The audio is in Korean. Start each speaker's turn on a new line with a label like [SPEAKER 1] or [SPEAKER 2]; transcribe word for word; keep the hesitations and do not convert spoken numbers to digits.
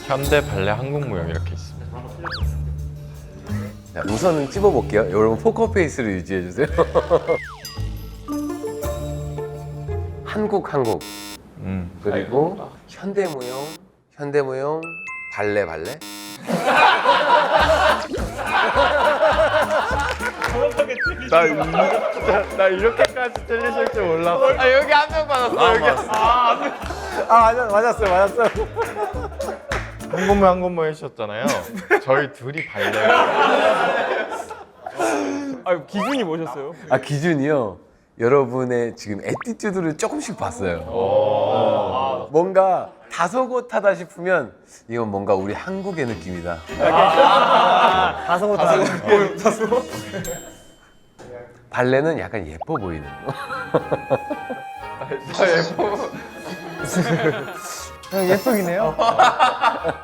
[SPEAKER 1] 현대 발레 한국 무용 이렇게 있습니다.
[SPEAKER 2] 자, 우선은 찝어볼게요. 여러분 포커페이스를 유지해주세요. 한국 한국
[SPEAKER 1] 음.
[SPEAKER 2] 그리고 현대무용 현대무용 발레 발레
[SPEAKER 1] 나 진짜 나 이렇게까지 틀리실 줄 몰랐어.
[SPEAKER 2] 아 여기 한 명 받았어 여기
[SPEAKER 3] 아 맞았, 맞았어요 맞았어요.
[SPEAKER 1] 한국무 한국무 해주셨잖아요. 저희 둘이 발레.
[SPEAKER 3] 아 기준이 뭐셨어요?
[SPEAKER 2] 아 기준이요. 여러분의 지금 애티튜드를 조금씩 봤어요. 어. 뭔가 다소곳하다 싶으면 이건 뭔가 우리 한국의 느낌이다.
[SPEAKER 3] 다소 다소.
[SPEAKER 2] 발레는 약간 예뻐 보이는 거.
[SPEAKER 3] 예쁘긴 해요.